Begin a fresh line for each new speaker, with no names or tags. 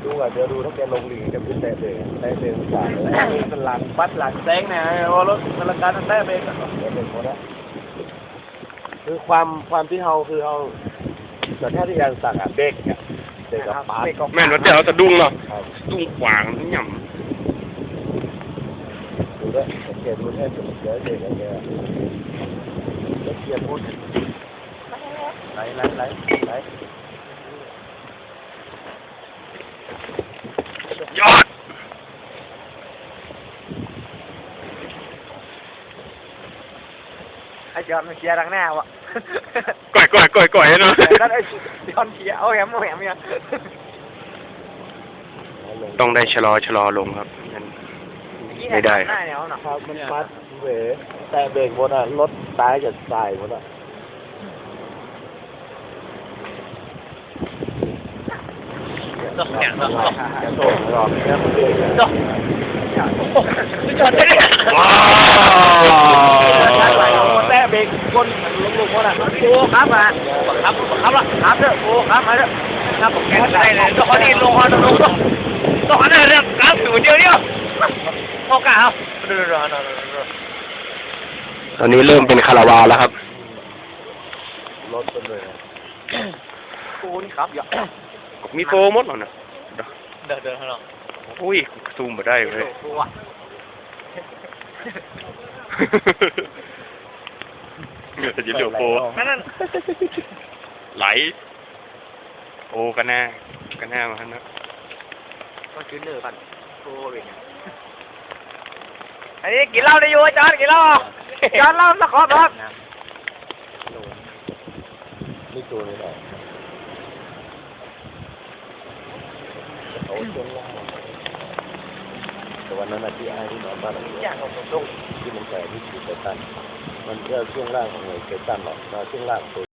ดูอ่ะเดี๋ยวดูถ้าแกลงหลีกจะขึ้นแต่เบรกต่างเลยเป็นหลังบัดหลังแซงเนี่ยรถมันละการแต่เบรกก็เป็นหมดแล้วคือความที่เขาคือเขาแต่ถ้าที่ยังสั่งอ่ะเบรกเนี่ยเบรกกับปาด
แม่นว่าจะเอาสะดุ้งเนาะดุ้งขวางนี่หย่ำ
ดูด้วยสังเกตดูแค่จุดเยอะเด็กอะไรเงี้ยแล้วเกียร์พูดไหล
ยอด
ไอ้จอนมันเกียร์ดังหน้าวะ
ก่อยเนาะ
นั่นไอ้จอนเกียร์เอาแหมเนี่ย
ต้องได้ชะลอลงครับไม่ได้
หน้าเนี่ยเนาะ
ครับมันมัดเวแต่เบรกหมดอ่ะรถตายจะตายหมดอ่ะ
ต้องเนี่ยต้อง
จะโตรอบนี้มันเบรก
ต้องจอนได้เนี่ย
ว้าว
แต่เบรกคนลุกคนอ่ะโอ้ครับมาครับละครับเด้อโอ้ครับมาเด้อครับผมแกได้เลยต้องขอดีลงต้องขอได้เรื่องครับอยู่เดียวโอกาสเอา
ตอนนี้เริ่มเป็นคาราวานแล้วครับ
รถเป็นเลย
โอ้นี่ครับอย่า
มีโฟมดหรอเนี่ย
เดินข้างนอก
อุ้ยซูมมาได้เลยเดี๋ยวจะเหลือโฟ
นั่น
ไหลโอ้กันแน่มาฮะนะ
ต้องชื้นเนื้อกันโอ้ยอันนี้กินเหล้าได้อยู่จอนกินเหล้าจอนเหล้าสักขอบครับ
นี่ตัวนี้แหละเขาช่วงล่างแต่วันนั้นที่ไอ้ที่นอนบ้านที่มันแก่ที่ถือเซตันมันแค่ช่วงล่างของเซตันหรอกช่วงล่าง